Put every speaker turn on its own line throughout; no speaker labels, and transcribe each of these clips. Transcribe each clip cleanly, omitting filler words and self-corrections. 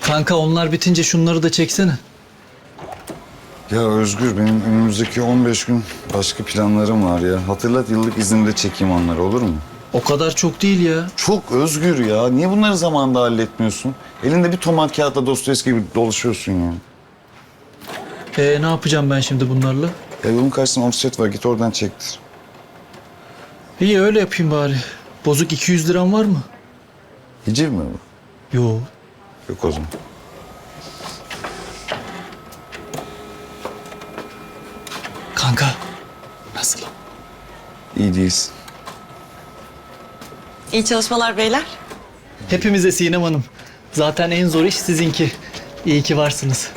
Kanka onlar bitince şunları da çeksene.
Ya Özgür, benim önümüzdeki 15 gün başka planlarım var ya. Hatırlat, yıllık izinde çekeyim onları, olur mu?
O kadar çok değil ya.
Çok Özgür ya. Niye bunları zamanında halletmiyorsun? Elinde bir tomat kağıtla Dostoyevski gibi dolaşıyorsun ya.
Ne yapacağım ben şimdi bunlarla?
Ya yolun karşısında offset var, git oradan çektir.
İyi öyle yapayım bari. Bozuk 200 liram var mı?
Hiciv mi bu?
Yo.
Yok o zaman.
Kanka. Nasıl?
İyi değilsin.
İyi çalışmalar beyler.
Hepimize Sinem Hanım. Zaten en zor iş sizinki. İyi ki varsınız.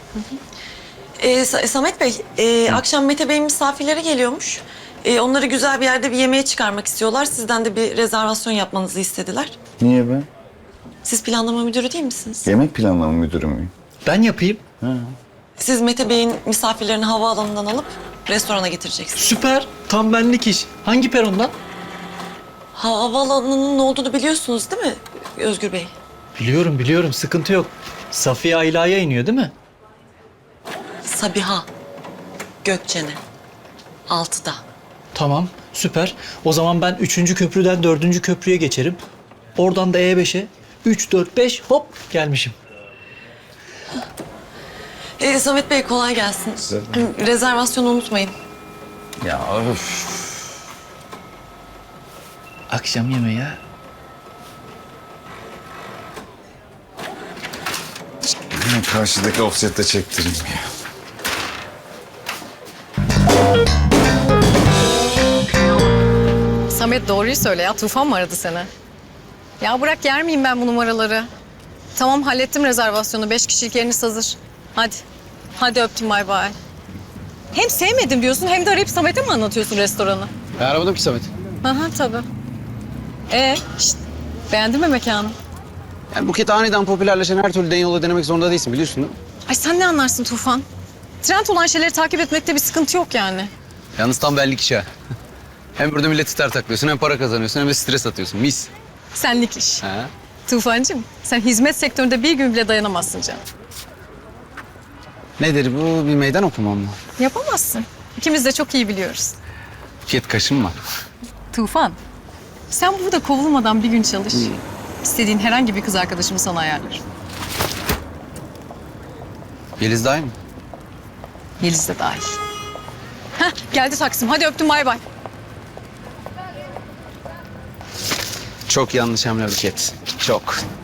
Samet Bey, akşam Mete Bey'in misafirleri geliyormuş. Onları güzel bir yerde bir yemeğe çıkarmak istiyorlar. Sizden de bir rezervasyon yapmanızı istediler.
Niye ben?
Siz planlama müdürü değil misiniz?
Yemek planlama müdürü müyüm?
Ben yapayım.
Siz Mete Bey'in misafirlerini havaalanından alıp restorana getireceksiniz.
Süper. Tam benlik iş. Hangi perondan?
Havaalanının ne olduğunu biliyorsunuz değil mi Özgür Bey?
Biliyorum. Sıkıntı yok. Safiye Ayla'ya iniyor değil mi?
Sabiha Gökçen'e. 6'da.
Tamam. Süper. O zaman ben 3. köprüden 4. köprüye geçerim. Oradan da E5'e. 3, 4, 5 hop gelmişim.
Samet Bey kolay gelsin.
Size
Rezervasyonu unutmayın.
Ya öf.
Akşam yemeği ya.
Hemen karşıdaki offsette çektireyim ya.
Samet doğruyu söyle ya. Tufan mı aradı seni? Ya bırak yer miyim ben bu numaraları? Tamam hallettim rezervasyonu. 5 kişilik yeriniz hazır. Hadi. Hadi öptüm bay bay. Hem sevmedim diyorsun hem de arayıp Samet'e mi anlatıyorsun restoranı?
Ben aramadım ki Samet.
Aha tabii. Şişt, beğendin mi mekanı?
Yani Buket aniden popülerleşen her türlü yola denemek zorunda değilsin biliyorsun değil mi?
Ay sen ne anlarsın Tufan? Trend olan şeyleri takip etmekte bir sıkıntı yok yani.
Yalnız tam benlik iş ha. Hem burada milleti taklıyorsun hem para kazanıyorsun hem de stres atıyorsun. Mis.
Senlik iş.
Ha?
Tufancığım sen hizmet sektöründe bir gün bile dayanamazsın canım.
Nedir bu? Bir meydan okumam mı?
Yapamazsın. İkimiz de çok iyi biliyoruz.
Buket kaşınma.
Tufan, sen burada kovulmadan bir gün çalış. İstediğin herhangi bir kız arkadaşımı sana ayarlarım.
Yeliz dahil mi?
Yeliz de dahil. Heh, geldi Taksim. Hadi öptüm bay bay.
Çok yanlış hamle Buket. Çok.